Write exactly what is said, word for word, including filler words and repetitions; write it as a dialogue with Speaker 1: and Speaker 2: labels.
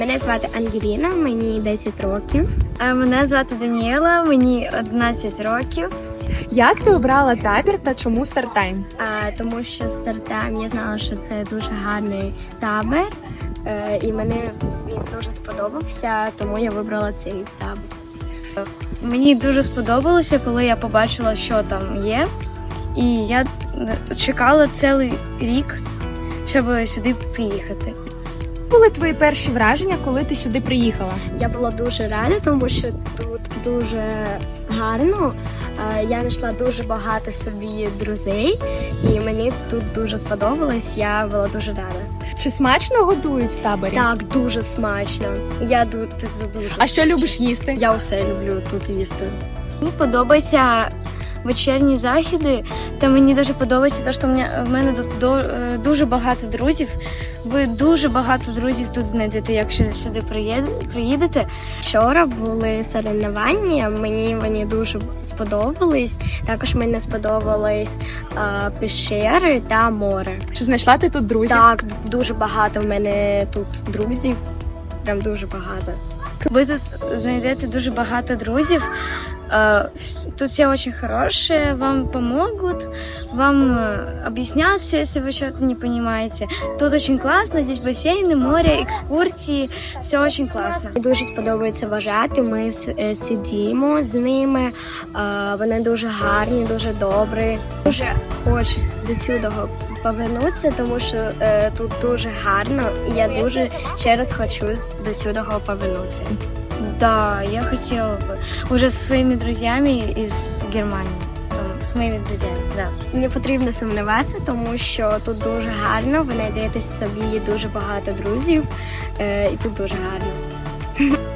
Speaker 1: Мене звати Ангеліна, мені десять років.
Speaker 2: Мене звати Даніела, мені одинадцять років.
Speaker 3: Як ти обрала табір та чому Стартайм?
Speaker 1: А, тому що стартайм, я знала, що це дуже гарний табір, е, і мені він дуже сподобався, тому я вибрала цей табір.
Speaker 2: Мені дуже сподобалося, коли я побачила, що там є. І я чекала цілий рік, щоб сюди приїхати.
Speaker 3: Були твої перші враження, коли ти сюди приїхала?
Speaker 1: Я була дуже рада, тому що тут дуже гарно. Е, Я знайшла дуже багато собі друзей, і мені тут дуже сподобалось. Я була дуже рада.
Speaker 3: Чи смачно готують в таборі?
Speaker 1: Так, дуже смачно. Я ду- це дуже.
Speaker 3: А що любиш їсти?
Speaker 1: Я все люблю тут їсти.
Speaker 2: Мені подобаються вечірні заходи, та мені дуже подобається те, що в мене, в мене тут до, е, дуже багато друзів. Ви дуже багато друзів тут знайдете, якщо сюди приїд- приїдете.
Speaker 1: Вчора були соревнування, мені вони дуже сподобались. Також мені сподобались е, пещери та море.
Speaker 3: Чи знайшла ти тут друзів?
Speaker 1: Так, дуже багато в мене тут друзів. Прям дуже багато.
Speaker 2: Ви тут знайдете дуже багато друзів. Э, вс- Тут все очень хорошие, вам помогут, вам э, объяснят все, если вы что-то не понимаете. Тут очень классно, здесь бассейны, море, экскурсии, все очень классно.
Speaker 1: Мені дуже сподобається вважати. Ми с- е, сидімо з ними. е, Вони дуже гарні, дуже добрі. Дуже хочу до сюди повернутися, тому що е, тут дуже гарно, і я дуже ще раз хочу с- до сюди повернутися.
Speaker 2: Да, я хотела бы уже со своими друзьями из Германии, там, с моими друзьями, да.
Speaker 1: Не потрібно сумніватися, тому що тут дуже гарно. Ви знайдете собі дуже багато друзів, е, і тут дуже гарно.